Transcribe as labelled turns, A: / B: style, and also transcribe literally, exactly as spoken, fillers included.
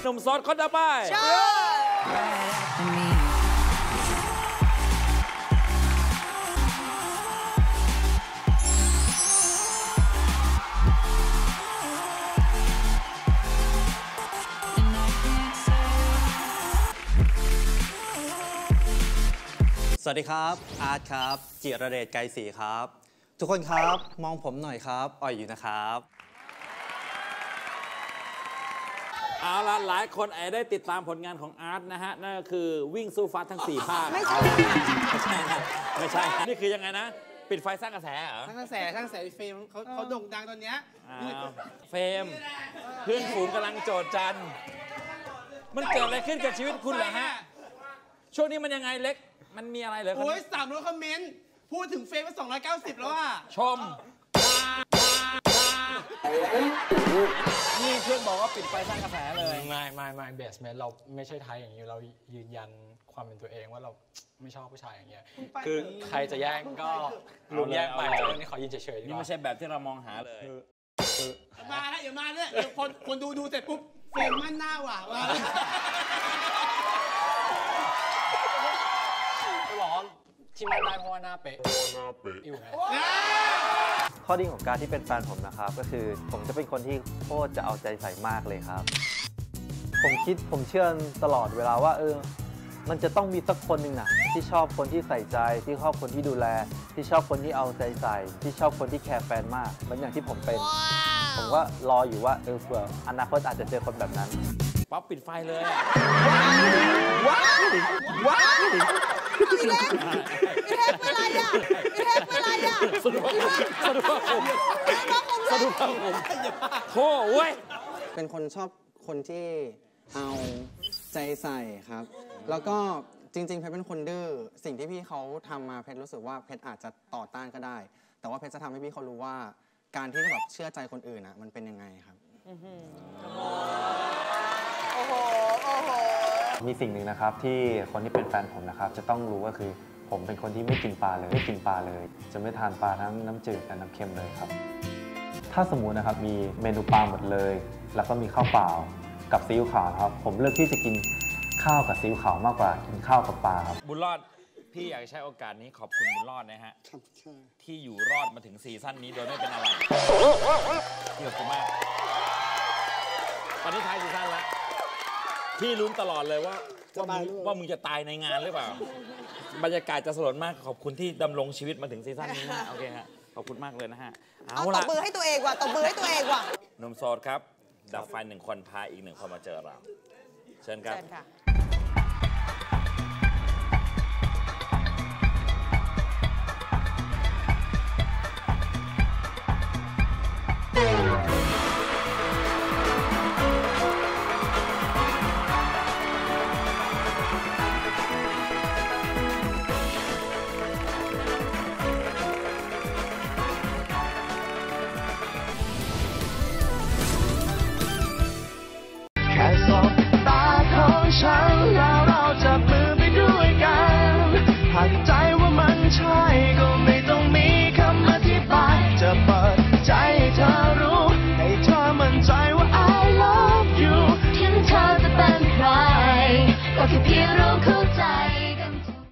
A: หนุ่มโสดคนต่อไป
B: สวัสดีครับอาร์ตครับจิรเดชไกรศรีครับทุกคนครับมองผมหน่อยครับอ่อยอยู่นะครับ
A: เอาละหลายคนอาจได้ติดตามผลงานของอาร์ตนะฮะนั่นก็คือวิ่งสู้ฟ้าทั้งสี่ภาคไม่ใช่ไม่ใช่นะไม่ใช่นี่คือยังไงนะปิดไฟสร้างกระแสเหรอ
C: สร้างกระแสสร้างกระแสเฟรมเขาเขาโด่งดังตอนเนี้ย
A: เฟรมเพื่อนฝูงกำลังโจดจันมันเกิดอะไรขึ้นกับชีวิตคุณเหรอฮะช่วงนี้มันยังไงเล็กมันมีอะไรเหรอ
C: โอ้ยสามร้อยคอมเมนต์พูดถึงเฟรมมาสองร้อยเก้าสิบแล้วอ่ะ
A: ชมนี่เพื่อนบอกว่าปิดไฟสร้างกระแสเลย
D: ไม่ไม่ไม่เบสเมนเราไม่ใช่ไทยอย่างนี้เรายืนยันความเป็นตัวเองว่าเราไม่ชอบผู้ชายอย่างเงี้ยคือใครจะแย่งก็ลุมแย่งไปเรื่องนี้ขอยืนเฉยๆ
A: นี่ไม่ใช่แบบที่เรามองหาเลย
C: มาแล้วอย่ามาเนี่ยเดี๋ยวคนคนดูดูเสร็จปุ๊บเฟรมมั่นหน้าว่ะมา
D: บอกว่าที่ไม่ได้เพราะว่าหน้าเป๊ะอยู่ไง
B: ข้อดีของการที่เป็นแฟนผมนะครับก็คือผมจะเป็นคนที่โคตรจะเอาใจใส่มากเลยครับผมคิดผมเชื่อตลอดเวลาว่าเออมันจะต้องมีสักคนหนึ่งนะที่ชอบคนที่ใส่ใจที่ชอบคนที่ดูแลที่ชอบคนที่เอาใจใส่ที่ชอบคนที่แคร์แฟนมากเหมือนอย่างที่ผมเป็นผมก็รออยู่ว่าเออเผื่ออนาคตอาจจะเจอคนแบบนั้น
A: ป๊อปปิดไฟเลย
C: ว้าวว้าวพี่เล็กพี่เล็กเป็นไรอ่ะพี่เล็กเป็นไรอ่ะ
A: สนุกสนุกผมสนุกผมโธ่เว้ย
E: เป็นคนชอบคนที่เอาใจใส่ครับแล้วก็จริงๆเพชรเป็นคนดื้อสิ่งที่พี่เขาทำมาเพชรรู้สึกว่าเพชรอาจจะต่อต้านก็ได้แต่ว่าเพชรจะทำให้พี่เขารู้ว่าการที่จะแบบเชื่อใจคนอื่นนะมันเป็นยังไงครับ
C: โอ้โหโอ้โห
B: มีสิ่งหนึ่งนะครับที่คนที่เป็นแฟนผมนะครับจะต้องรู้ก็คือผมเป็นคนที่ไม่กินปลาเลยไม่กินปลาเลยจะไม่ทานปลาทั้งน้ำจืดและน้ำเค็มเลยครับถ้าสมมุตินะครับมีเมนูปลาหมดเลยแล้วก็มีข้าวเปล่ากับซีอิ๊วขาวครับผมเลือกที่จะกินข้าวกับซีอิ๊วขาวมากกว่ากินข้าวกับปลาครับ
A: บุญรอดพี่อยากใช้โอกาสนี้ขอบคุณบุญรอดนะฮะที่อยู่รอดมาถึงซีซั่นนี้โดยไม่เป็นอะไรเกี่ยวกับมากตอนนี้ท้ายซีซั่นแล้วพี่ลุ้นตลอดเลยว่าว่าว่ามึงจะตายในงานหรือเปล่าบรรยากาศจะสลดมากขอบคุณที่ดำรงชีวิตมาถึงซีซั่นนี้นะโอเคฮะขอบคุณมากเลยนะฮะ
C: เอาตบมือให้ตัวเองว่ะตบมือให้ตัวเองว่ะ
A: หนุ่มโสดครับดับไฟหนึ่งคนพาอีกหนึ่งคนมาเจอเราเชิญครับ